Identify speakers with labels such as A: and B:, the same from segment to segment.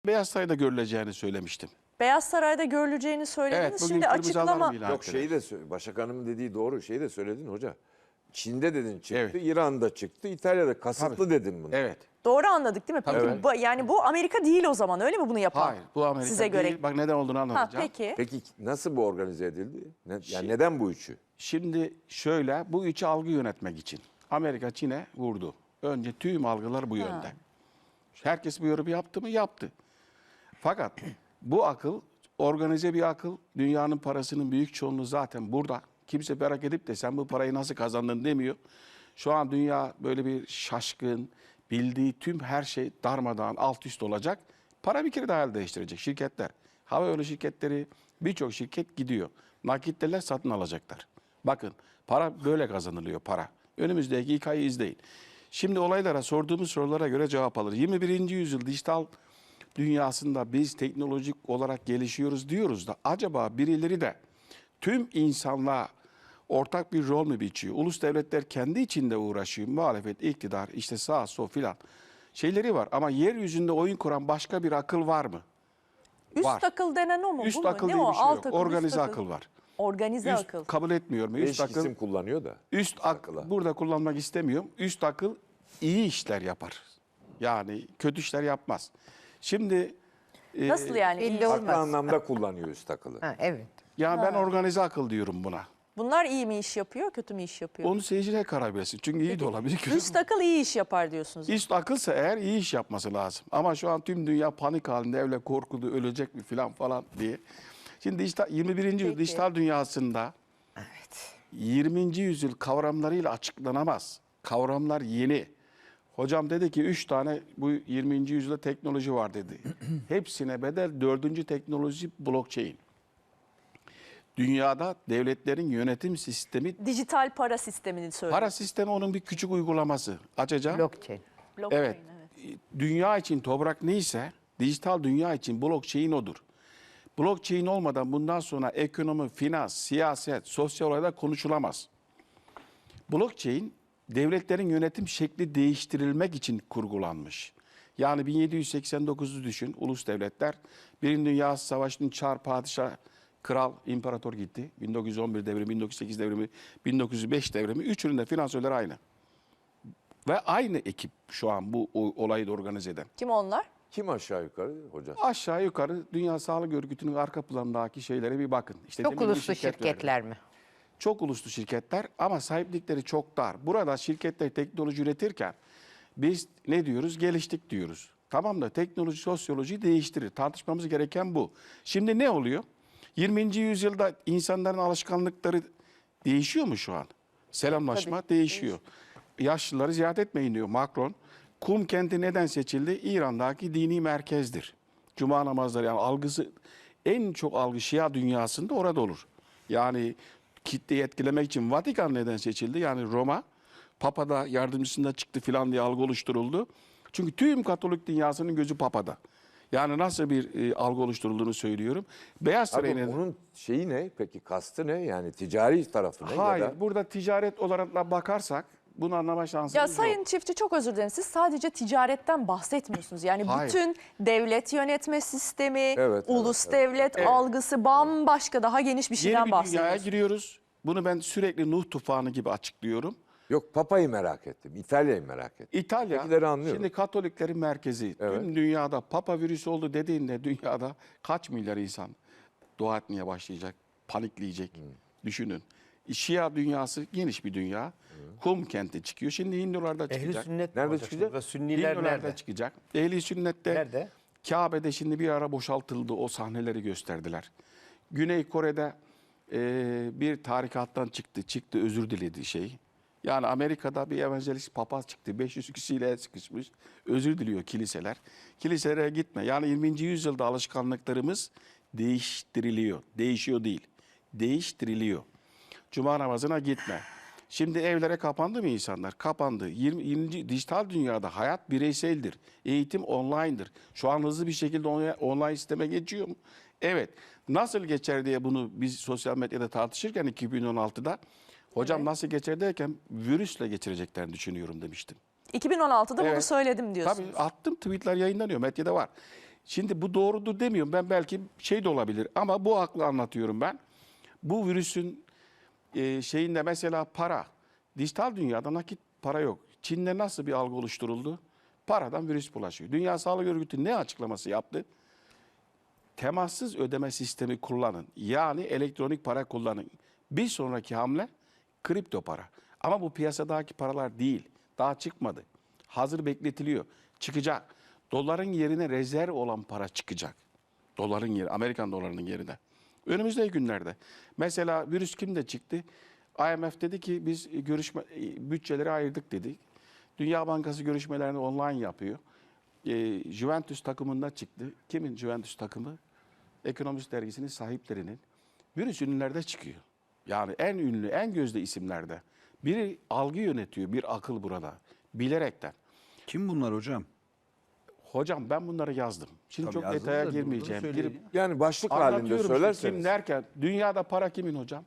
A: Beyaz Saray'da görüleceğini söylemiştim.
B: Beyaz Saray'da görüleceğini söylediniz.
A: Evet, bugün
B: Şimdi
A: kırmızı
B: açıklama...
A: alarm ilan
C: Yok
A: ettiler.
C: Başak Hanım'ın dediği doğru. Şeyi de söyledin hoca. Çin'de dedin çıktı,
A: Evet.
C: İran'da çıktı, İtalya'da kasıtlı dedin bunu.
A: Evet.
B: Doğru anladık değil mi? Peki
A: Evet.
B: yani bu Amerika değil o zaman, öyle mi bunu yapan?
A: Hayır, bu Amerika
B: size
A: değil.
B: göre.
A: Bak neden olduğunu
B: Ha,
A: anlatacağım.
B: peki.
C: Peki nasıl bu organize edildi? Yani neden bu üçü?
A: Şimdi şöyle, bu üçü algı yönetmek için. Amerika Çin'e vurdu. Önce tüm algılar bu yönde. Herkes bu yorumu yaptı mı? Yaptı. Fakat bu akıl, organize bir akıl. Dünyanın parasının büyük çoğunluğu zaten burada. Kimse merak edip de sen bu parayı nasıl kazandın demiyor. Şu an dünya böyle bir şaşkın, bildiği tüm her şey darmadağın, alt üst olacak. Para bir kere daha el değiştirecek şirketler. Havayolu şirketleri, birçok şirket gidiyor. Nakitler satın alacaklar. Bakın, para böyle kazanılıyor, para. Önümüzdeki hikayeyi izleyin. Şimdi olaylara, sorduğumuz sorulara göre cevap alır. 21. yüzyıl dijital dünyasında biz teknolojik olarak gelişiyoruz diyoruz da acaba birileri de tüm insanlığa ortak bir rol mü biçiyor? Ulus devletler kendi içinde uğraşıyor. Muhalefet, iktidar, işte sağ, sol filan şeyleri var. Ama yeryüzünde oyun kuran başka bir akıl var mı?
B: Üst
A: Var.
B: akıl denen o mu?
A: Üst
B: bu mu?
A: akıl
B: Ne
A: diye
B: o?
A: bir şey
B: Alt
A: yok.
B: akıl, üst
A: Organize akıl var.
B: Organize
A: Üst
B: akıl.
A: kabul etmiyorum. Üst
C: Değişik
A: akıl,
C: isim kullanıyor da.
A: üst akıl burada kullanmak istemiyorum. Üst akıl iyi işler yapar. Yani kötü işler yapmaz. Şimdi
B: Nasıl yani?
D: belli
B: İyi-
D: olmaz.
C: Farklı anlamda kullanıyor üst akılı.
D: Ha, evet.
A: yani ben organize akıl diyorum buna.
B: Bunlar iyi mi iş yapıyor, kötü mü iş yapıyor?
A: Onu seyirciler karar versin. Çünkü iyi de olabilir. Kötü
B: Üst akıl iyi iş yapar diyorsunuz.
A: Üst akılsa eğer iyi iş yapması lazım. Ama şu an tüm dünya panik halinde, öyle korkulu, ölecek mi falan diye. Şimdi dijital, 21. yüzyıl
B: Peki.
A: dijital dünyasında 20. yüzyıl kavramlarıyla açıklanamaz. Kavramlar yeni. Hocam dedi ki 3 tane bu 20. yüzyılda teknoloji var dedi. Hepsine bedel 4. teknoloji blockchain. Dünyada devletlerin yönetim sistemi,
B: Dijital para sistemini söylüyor.
A: para sistemi onun bir küçük uygulaması. Açacağım.
D: Blockchain.
B: Blockchain,
A: Evet. Dünya için toprak neyse, dijital dünya için blockchain odur. Blockchain olmadan bundan sonra ekonomi, finans, siyaset, sosyal olaylar konuşulamaz. Blockchain, devletlerin yönetim şekli değiştirilmek için kurgulanmış. Yani 1789'u düşün, ulus devletler. Birinci Dünya Savaşı'nın çar, padişah, kral, imparator gitti. 1911 devrimi, 1908 devrimi, 1905 devrimi. Üçünün de finansörleri aynı. Ve aynı ekip şu an bu olayı da organize eden.
B: Kim onlar?
C: Kim aşağı yukarı hoca?
A: Aşağı yukarı Dünya Sağlık Örgütü'nün arka planındaki şeylere bir bakın. İşte
D: Çok
A: demin
D: uluslu
A: şirketler.
D: şirketler mi?
A: Çok uluslu şirketler ama sahiplikleri çok dar. Burada şirketler teknoloji üretirken biz ne diyoruz? Geliştik diyoruz. Tamam da teknoloji sosyolojiyi değiştirir. Tartışmamız gereken bu. Şimdi ne oluyor? 20. yüzyılda insanların alışkanlıkları değişiyor mu şu an? Selamlaşma değişiyor. Yaşlıları ziyaret etmeyin diyor Macron. Kum kenti neden seçildi? İran'daki dini merkezdir. Cuma namazları, yani algısı, en çok algı Şia dünyasında orada olur. Yani kitleyi etkilemek için Vatikan neden seçildi? Yani Roma, Papa da yardımcısında çıktı filan diye algı oluşturuldu. Çünkü tüm Katolik dünyasının gözü Papa'da. Yani nasıl bir algı oluşturulduğunu söylüyorum. Beyaz
C: Abi
A: Saray'ın...
C: onun şeyi ne? Peki kastı ne? Yani ticari tarafı ne?
A: Hayır,
C: Ya da
A: burada ticaret olarak da bakarsak bunu anlama şansımız
B: Ya
A: yok.
B: Sayın Çiftçi, çok özür dilerim. Siz sadece ticaretten bahsetmiyorsunuz. Yani
A: Hayır.
B: bütün devlet yönetme sistemi,
C: Evet,
B: ulus
C: evet,
B: devlet algısı bambaşka, daha geniş bir şeyden
A: Yeni bir dünyaya
B: bahsediyoruz.
A: giriyoruz. Bunu ben sürekli Nuh tufanı gibi açıklıyorum.
C: yok Papa'yı merak ettim. İtalya'yı merak ettim.
A: İtalya,
C: Ötekileri anlıyorum.
A: şimdi Katoliklerin merkezi.
C: Evet.
A: Tüm dünyada Papa virüsü oldu dediğinde dünyada kaç milyar insan dua etmeye başlayacak, panikleyecek. Düşünün. Şia dünyası geniş bir dünya. Kum kenti çıkıyor. Şimdi Hindularda
E: Ehli
A: çıkacak.
E: sünnet
C: Nerede
E: olacak
C: çıkacak?
E: şimdi? Sünniler
A: Hindularda
E: nerede?
A: çıkacak. Ehli sünnette
E: Nerede?
A: Kabe'de şimdi bir ara boşaltıldı. O sahneleri gösterdiler. Güney Kore'de bir tarikattan çıktı özür diledi şey. Yani Amerika'da bir evangelist papaz çıktı. 500 kişiyle sıkışmış. Özür diliyor kiliseler. Kiliselere gitme. Yani 20. yüzyılda alışkanlıklarımız değiştiriliyor. Değişiyor değil. Değiştiriliyor. Cuma namazına gitme. Şimdi evlere kapandı mı insanlar? Kapandı. 20. dijital dünyada hayat bireyseldir. Eğitim online'dır. Şu an hızlı bir şekilde online sisteme geçiyor mu? Evet. Nasıl geçer diye bunu biz sosyal medyada tartışırken 2016'da hocam nasıl geçer derken virüsle geçireceklerini düşünüyorum demiştim.
B: 2016'da bunu
A: Evet.
B: söyledim diyorsunuz.
A: Tabii attım, tweetler yayınlanıyor, medyada var. Şimdi bu doğrudur demiyorum. Ben belki şey de olabilir ama bu aklı anlatıyorum ben. Bu virüsün şeyinde mesela para. Dijital dünyada nakit para yok. Çin'de nasıl bir algı oluşturuldu? Paradan virüs bulaşıyor. Dünya Sağlık Örgütü ne açıklaması yaptı? Temassız ödeme sistemi kullanın. Yani elektronik para kullanın. Bir sonraki hamle kripto para. Ama bu piyasadaki paralar değil. Daha çıkmadı. Hazır bekletiliyor. Çıkacak. Doların yerine rezerv olan para çıkacak. Doların yeri, Amerikan dolarının yerine. Önümüzdeki günlerde. Mesela virüs kimde çıktı? IMF dedi ki biz bütçeleri ayırdık dedi. Dünya Bankası görüşmelerini online yapıyor. Juventus takımında çıktı. Kimin Juventus takımı? Ekonomist dergisinin sahiplerinin. Virüs ünlülerde çıkıyor. Yani en ünlü, en gözde isimlerde. Biri algı yönetiyor, bir akıl burada. Bilerekten.
D: Kim bunlar hocam?
A: Hocam ben bunları yazdım. Şimdi
D: Tabii
A: çok
D: yazdınız
A: detaya
D: da
A: girmeyeceğim.
D: söyleyin
A: Girip
C: Yani başlık halinde
A: anlatıyorum işte
C: söylerseniz.
A: kim derken dünyada para kimin hocam?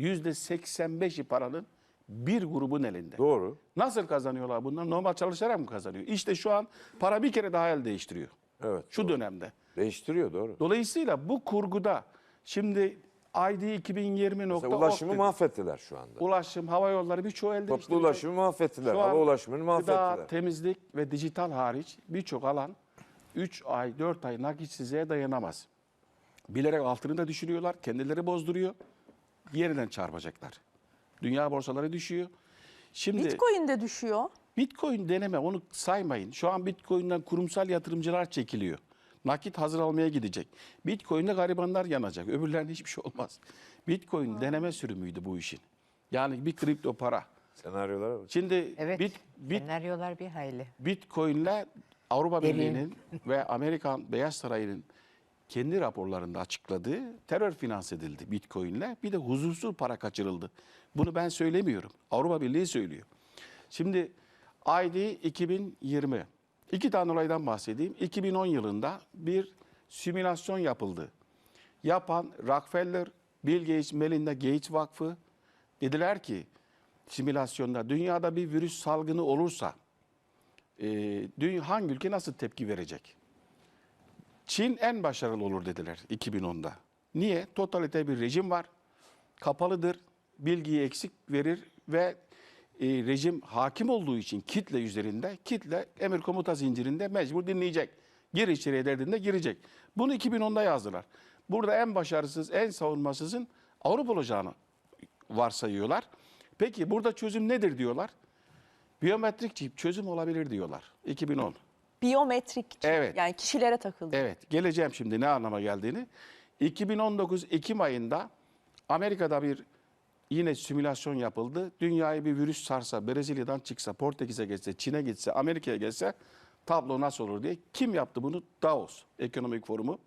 A: %85'i paranın bir grubun elinde.
C: Doğru.
A: Nasıl kazanıyorlar bunlar? Normal çalışarak mı kazanıyor? İşte şu an para bir kere daha el değiştiriyor.
C: Evet.
A: Şu
C: doğru.
A: dönemde.
C: Değiştiriyor doğru.
A: Dolayısıyla bu kurguda şimdi ID 2020
C: Mesela ulaşımı mahvettiler şu anda.
A: Ulaşım, hava yolları birçoğu el
C: Toplu
A: değiştiriyor.
C: ulaşımı mahvettiler.
A: Şu an
C: Hava ulaşımını mahvettiler.
A: Gıda, temizlik ve dijital hariç birçok alan 3 ay, 4 ay nakitsizliğe dayanamaz. Bilerek altını da düşürüyorlar, kendileri bozduruyor, yeniden çarpacaklar. Dünya borsaları düşüyor. Şimdi
B: Bitcoin de düşüyor.
A: Bitcoin deneme, onu saymayın. Şu an Bitcoin'den kurumsal yatırımcılar çekiliyor. Nakit hazır almaya gidecek. Bitcoin'de garibanlar yanacak. Öbürlerinde hiçbir şey olmaz. Bitcoin deneme sürümüydü bu işin. Yani bir kripto para.
C: Senaryolara bak.
A: Şimdi
E: Evet, senaryolar bir hayli.
A: Bitcoin'le Avrupa
E: Derin.
A: Birliği'nin ve Amerikan Beyaz Sarayı'nın kendi raporlarında açıkladığı terör finanse edildi Bitcoin'le. Bir de huzursuz para kaçırıldı. Bunu ben söylemiyorum. Avrupa Birliği söylüyor. Şimdi ID 2020. İki tane olaydan bahsedeyim. 2010 yılında bir simülasyon yapıldı. Yapan Rockefeller, Bill Gates, Melinda Gates Vakfı dediler ki simülasyonda dünyada bir virüs salgını olursa hangi ülke nasıl tepki verecek? Çin en başarılı olur dediler 2010'da. Niye? Totalite bir rejim var. Kapalıdır. Bilgiyi eksik verir ve rejim hakim olduğu için kitle üzerinde, kitle emir komuta zincirinde mecbur dinleyecek. Gir içeriye dediğinde girecek. Bunu 2010'da yazdılar. Burada en başarısız, en savunmasızın Avrupa olacağını varsayıyorlar. Peki burada çözüm nedir diyorlar? Biyometrik çip çözüm olabilir diyorlar. 2010.
B: Biyometrik çip,
A: Evet.
B: yani kişilere takıldı.
A: Evet, geleceğim şimdi ne anlama geldiğini. 2019 Ekim ayında Amerika'da bir yine simülasyon yapıldı. Dünyayı bir virüs sarsa, Brezilya'dan çıksa, Portekiz'e geçse, Çin'e gitse, Amerika'ya geçse tablo nasıl olur diye. Kim yaptı bunu? Davos Ekonomik Forumu.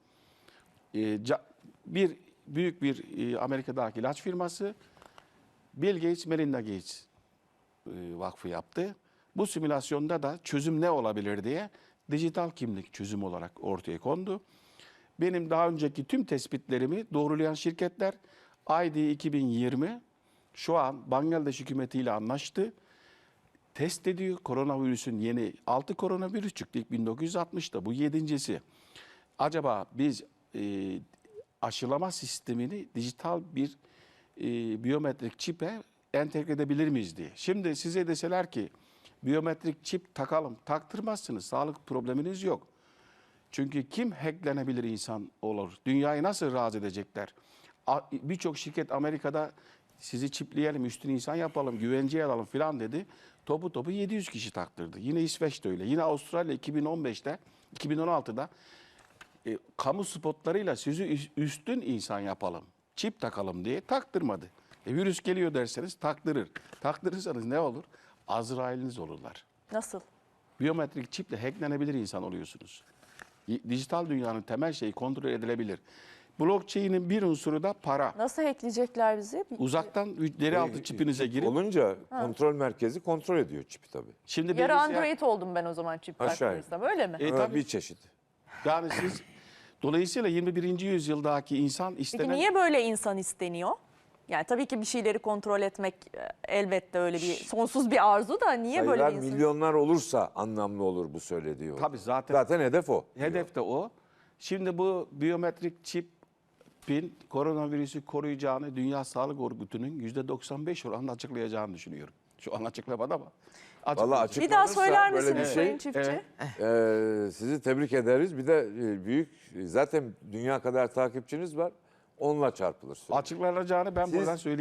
A: Büyük bir Amerika'daki ilaç firması Bill Gates, Melinda Gates Vakfı yaptı. Bu simülasyonda da çözüm ne olabilir diye dijital kimlik çözüm olarak ortaya kondu. Benim daha önceki tüm tespitlerimi doğrulayan şirketler ID 2020 şu an Bangladeş hükümetiyle anlaştı. Test ediyor. Koronavirüsün yeni 6 koronavirüs çıktı ilk 1960'da. Bu 7.'si. Acaba biz aşılama sistemini dijital bir biyometrik çipe entegre edebilir miyiz diye. Şimdi size deseler ki biyometrik çip takalım, taktırmazsınız. Sağlık probleminiz yok. Çünkü kim hacklenebilir insan olur? Dünyayı nasıl razı edecekler? Birçok şirket Amerika'da sizi çipleyelim, üstün insan yapalım, güvenceye alalım falan dedi. Topu 700 kişi taktırdı. Yine İsveç'te öyle. Yine Avustralya 2015'te, 2016'da kamu spotlarıyla sizi üstün insan yapalım, çip takalım diye taktırmadı. Virüs geliyor derseniz taktırır. Taktırırsanız ne olur? Azrail'iniz olurlar.
B: Nasıl?
A: Biyometrik çiple hacklenebilir insan oluyorsunuz. Dijital dünyanın temel şeyi kontrol edilebilir. Blockchain'in bir unsuru da para.
B: Nasıl hackleyecekler bizi?
A: Uzaktan deri altı çipinize
C: Çip
A: girip
C: olunca kontrol merkezi kontrol ediyor çipi tabii.
A: şimdi
B: Yarı
A: bilgisayar-
B: Android oldum ben o zaman çip
C: Aşağı
B: taktırırsam, öyle mi?
A: tabii.
C: Bir çeşit.
A: Yani siz dolayısıyla 21. yüzyıldaki insan
B: Peki
A: istenen
B: niye böyle insan isteniyor? Yani tabii ki bir şeyleri kontrol etmek elbette öyle bir sonsuz bir arzu da niye böyle
C: Sayılar
B: bir insan?
C: milyonlar olursa anlamlı olur bu söylediği.
A: Tabii zaten
C: Zaten hedef o.
A: hedef de o. Şimdi bu biyometrik çipin koronavirüsü koruyacağını Dünya Sağlık Örgütü'nün %95 oranını açıklayacağını düşünüyorum. Şu an açıklamadı ama.
C: Vallahi
A: açıklayacak.
B: Bir daha
C: Açıklanırsa
B: söyler
C: böyle bir
B: misiniz
C: şey,
B: Sayın Çiftçi?
C: sizi tebrik ederiz. Bir de büyük, zaten dünya kadar takipçiniz var. Onunla çarpılır.
A: Açıklanacağını ben
C: Siz-
A: buradan söyleyeyim.